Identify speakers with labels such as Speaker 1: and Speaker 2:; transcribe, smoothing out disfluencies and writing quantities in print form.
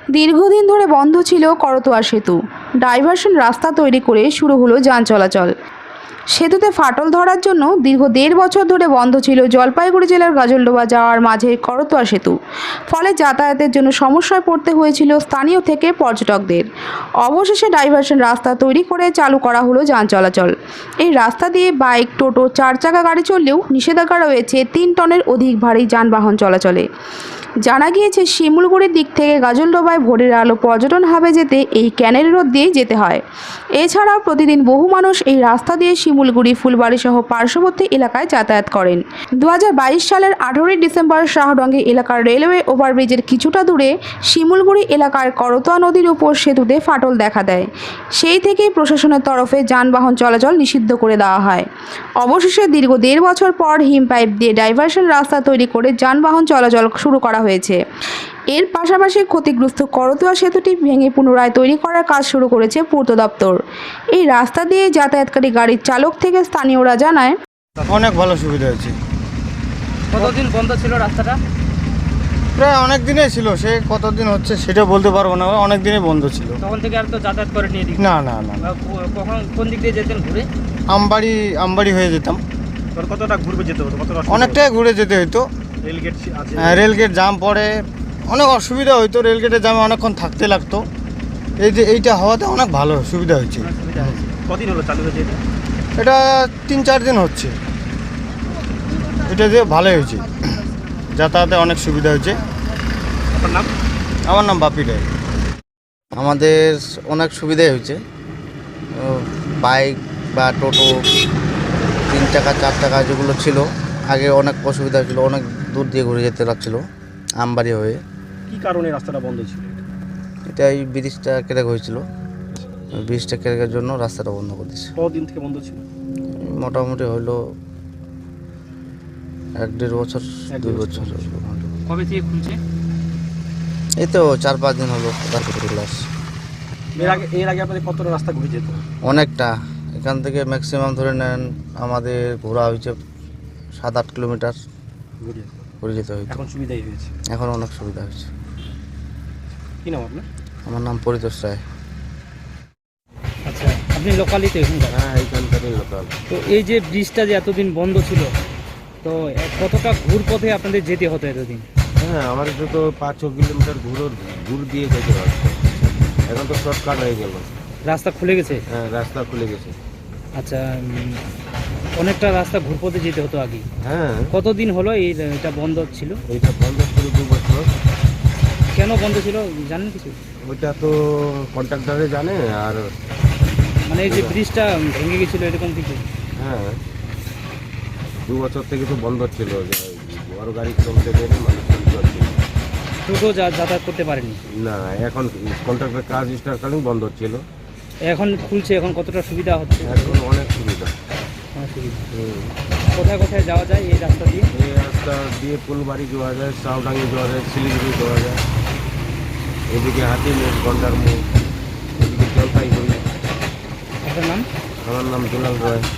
Speaker 1: দীর্ঘদিন ধরে বন্ধ ছিল করতোয়া সেতু। ডাইভারশন রাস্তা তৈরি করে শুরু হলো যান চলাচল। সেতুতে ফাটল ধরার জন্য দীর্ঘ 1.5 বছর ধরে বন্ধ ছিল জলপাইগুড়ি জেলার গাজলডোবা যাওয়ার মাঝে করতোয়া সেতু। ফলে যাতায়াতের জন্য সমস্যায় পড়তে হয়েছিল স্থানীয় থেকে পর্যটকদের। অবশেষে ডাইভারশন রাস্তা তৈরি করে চালু করা হলো যান চলাচল। এই রাস্তা দিয়ে বাইক, টোটো, 4 চাকা গাড়ি চললেও নিষেধাজ্ঞা রয়েছে 3 টনের অধিক ভারী যানবাহন চলাচলে। জানা গিয়েছে শিমুলগুড়ির দিক থেকে গাজলডোবায় ভোরের আলো পর্যটন হাবে যেতে এই ক্যানেল রোড দিয়ে যেতে হয়। এছাড়াও প্রতিদিন বহু মানুষ এই রাস্তা দিয়ে শিমুলগুড়ি, ফুলবাড়ি সহ পার্শ্ববর্তী এলাকায় যাতায়াত করেন। 2022 সালের 18 ডিসেম্বর শাহডঙ্গি এলাকার রেলওয়ে ওভারব্রিজের কিছুটা দূরে শিমুলগুড়ি এলাকার করতোয়া নদীর উপর সেতুতে ফাটল দেখা দেয়। সেই থেকেই প্রশাসনের তরফে যানবাহন চলাচল নিষিদ্ধ করে দেওয়া হয়। অবশেষে দীর্ঘ 1.5 বছর পর হিম পাইপ দিয়ে ডাইভারশন রাস্তা তৈরি করে যানবাহন চলাচল শুরু করা হয়েছে। এর পাশাপাশি ক্ষতিগ্রস্ত করতোয়া সেতুটি ভেঙে পুনরায় তৈরি করার কাজ শুরু করেছে পূর্ত দপ্তর। এই রাস্তা দিয়ে যাতায়াতকারী গাড়ির চালক থেকে স্থানীয়রা জানায়,
Speaker 2: অনেক ভালো সুবিধা হয়েছে।
Speaker 3: কতদিন বন্ধ ছিল রাস্তাটা?
Speaker 2: প্রায় অনেক দিনই ছিল, সে কতদিন হচ্ছে সেটা বলতে পারবো না, অনেক দিনই বন্ধ ছিল।
Speaker 3: তখন থেকে আর তো যাতায়াত করে নিয়ে দিই।
Speaker 2: না না না না।
Speaker 3: কখন কোন দিক দিয়ে যেতেন ঘুরে?
Speaker 2: আমবাড়ি হয়ে যেতাম।
Speaker 4: কতটা ঘুরবে যেতে হতো? কতটা
Speaker 2: অনেকটাই ঘুরে যেতে হতো।
Speaker 4: রেলগেট আছে?
Speaker 2: রেলগেট জাম পড়ে, অনেক অসুবিধা হইতো। রেলগেটে জামে অনেকক্ষণ থাকতে লাগতো। এইটা হওয়াতে অনেক ভালো সুবিধা হয়েছে।
Speaker 4: সুবিধা হয়েছে। কদিন হলো চালু হয়েছে এটা?
Speaker 2: এটা 3-4 দিন হচ্ছে। এটা দিয়ে ভালোই হয়েছে, যাতায়াতে অনেক সুবিধা হয়েছে।
Speaker 4: আপনার নাম?
Speaker 2: আমার নাম বাপি রায়।
Speaker 5: আমাদের অনেক সুবিধাই হয়েছে। বাইক বা টোটো, 3 চাকা 4 চাকা যেগুলো ছিল আগে অনেক অসুবিধা ছিল, অনেক দূর দিয়ে ঘুরে যেতে লাগছিল আমবাড়ি হয়ে।
Speaker 4: কি কারণে রাস্তাটা বন্ধ ছিল?
Speaker 5: এটাই ব্রিজটা ক্র্যাক হয়েছিল, ব্রিজটা ক্র্যাকের জন্য রাস্তাটা বন্ধ করে দিয়েছে।
Speaker 4: কতদিন থেকে বন্ধ ছিল?
Speaker 5: মোটামুটি হলো 1-1.5 বছর, 2 বছর।
Speaker 3: কবে থেকে খুলছে?
Speaker 5: এই তো 4-5 দিন হলো ক্লাস।
Speaker 4: এর আগে আপনাদের কতটা রাস্তা ঘুরে যেত?
Speaker 5: অনেকটা, এখান থেকে ম্যাক্সিমাম ধরে নেন আমাদের ঘোরা হয়েছে 7-8 কিলোমিটার
Speaker 4: ঘুরে যেত।
Speaker 5: ঘুরে যেতে হইতো।
Speaker 4: এখন সুবিধাই হয়েছে।
Speaker 5: এখন অনেক সুবিধা হয়েছে।
Speaker 4: কি নাম আপনার?
Speaker 5: আমার নাম পরিতোষ রায়।
Speaker 3: আচ্ছা, আপনি লোকালই তো এখানকার?
Speaker 5: হ্যাঁ, এইখানকারই লোকাল।
Speaker 3: তো এই যে ব্রিজটা যে এতদিন বন্ধ ছিল, তো কতটা ঘুর পথে আপনাদের যেতে হতো এতদিন?
Speaker 6: হ্যাঁ, আমার তো 5-6 কিলোমিটার ঘুর দিয়ে যেতে হচ্ছে। এখন তো শর্টকাট হয়ে গেল।
Speaker 3: রাস্তা খুলে গেছে?
Speaker 6: হ্যাঁ, রাস্তা খুলে গেছে।
Speaker 3: আচ্ছা, অনেকটা রাস্তা ঘুর পথে যেতে হতো আগে।
Speaker 6: হ্যাঁ,
Speaker 3: কতদিন হলো এটা বন্ধ ছিল?
Speaker 6: এইটা বন্ধ ছিল 2 বছর।
Speaker 3: কেন বন্ধ ছিল জানেন কিছু?
Speaker 6: ওইটা তো কন্ট্রাক্টরে জানে। আর
Speaker 3: মানে এই যে ব্রিজটা ভেঙে গেছিল এরকম কিছু?
Speaker 6: হ্যাঁ, 2 বছর থেকে তো বন্ধ ছিল, বড় গাড়ি চলতে গেলে মানুষ চলতে পারছিল
Speaker 3: টোটো যাতায়াত করতে পারেনি?
Speaker 6: না। এখন কন্ট্রাক্টর কাজ স্টার্টকালীন বন্ধ ছিল।
Speaker 3: এখন খুলছে, এখন কতটা সুবিধা হচ্ছে?
Speaker 6: এখন অনেক সুবিধা।
Speaker 3: অনেক সুবিধা। কোথায় কোথায় যাওয়া যায় এই রাস্তা দিয়ে?
Speaker 6: এই রাস্তা দিয়ে ফুলবাড়ি যাওয়া যায়, শাহডাঙ্গি যাওয়া যায়, শিলিগুড়ি যাওয়া যায়, এদিকে হাতিমুখ, গন্ডারমুখ, এদিকে জলপাইগুড়ি।
Speaker 3: আপনার নাম?
Speaker 6: আমার নাম দুলাল রায়।